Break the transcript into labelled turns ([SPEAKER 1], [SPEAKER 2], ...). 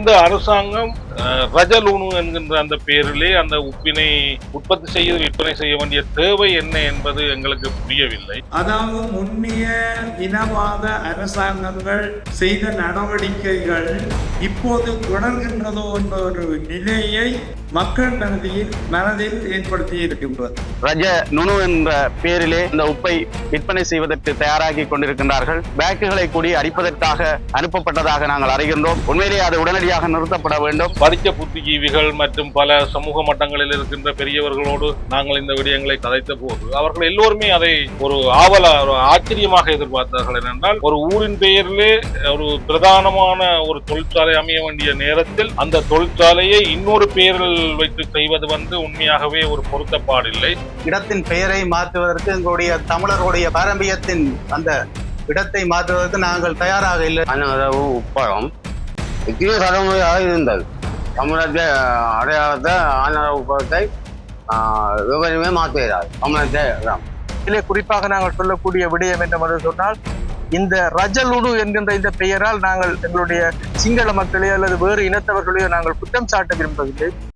[SPEAKER 1] இந்த அரசாங்கம் ரஜலுணு என்கின்ற அந்த பெயரிலே அந்த உப்பினை உற்பத்தி செய்து விற்பனை செய்ய வேண்டிய தேவை என்ன என்பது எங்களுக்கு புரியவில்லை.
[SPEAKER 2] அதாவது முன்னிய இனவாத அரசாங்கங்கள் செய்த நடவடிக்கைகள் இப்போது தொடர்கின்றதோ என்ற ஒரு நிலையை மக்கள் மனதில் ஏற்படுத்தி இருக்கின்றது.
[SPEAKER 3] ரஜ நுணு என்ற பெயரிலே இந்த உப்பை விற்பனை செய்வதற்கு தயாராகி கொண்டிருக்கின்றார்கள். பேக்குகளை கூடி அடிப்பதற்காக அனுப்பப்பட்டதாக நாங்கள் அறிகின்றோம். உண்மையிலேயே அது உடனடியாக நிறுத்தப்பட வேண்டும்.
[SPEAKER 1] படித்த புத்திஜீவிகள் மற்றும் பல சமூக மட்டங்களில் இருக்கின்ற பெரியவர்களோடு நாங்கள் இந்த விடயங்களை கதைத்த போது அவர்கள் எல்லோருமே அதை ஒரு ஆச்சரியமாக எதிர்பார்த்தார்கள். என்னென்றால் ஒரு ஊரின் பெயரிலே ஒரு பிரதானமான ஒரு தொழிற்சாலை அமைய வேண்டிய நேரத்தில் அந்த தொழிற்சாலையை இன்னொரு பெயரில் வைத்து செய்வது உண்மையாகவே ஒரு பொருத்தப்பாடில்லை.
[SPEAKER 3] இடத்தின் பெயரை மாற்றுவதற்கு எங்களுடைய தமிழர்களுடைய பாரம்பரியத்தின் அந்த இடத்தை மாற்றுவதற்கு நாங்கள் தயாராக இல்லை. உப்பளம் இத்தனை தலைமுறையாக இருந்தது. தமிழத்தை அடையாளத்தை ஆனரவு உப்பளத்தை விவரமே மாற்றுகிறார். தமிழத்தை
[SPEAKER 4] இதிலே குறிப்பாக நாங்கள் சொல்லக்கூடிய விடயம் என்னவென்று சொன்னால், இந்த ரஜலுடு என்கின்ற இந்த பெயரால் நாங்கள் எங்களுடைய சிங்கள மக்களையோ அல்லது வேறு இனத்தவர்களையோ நாங்கள் குற்றம் சாட்ட விரும்பவில்லை.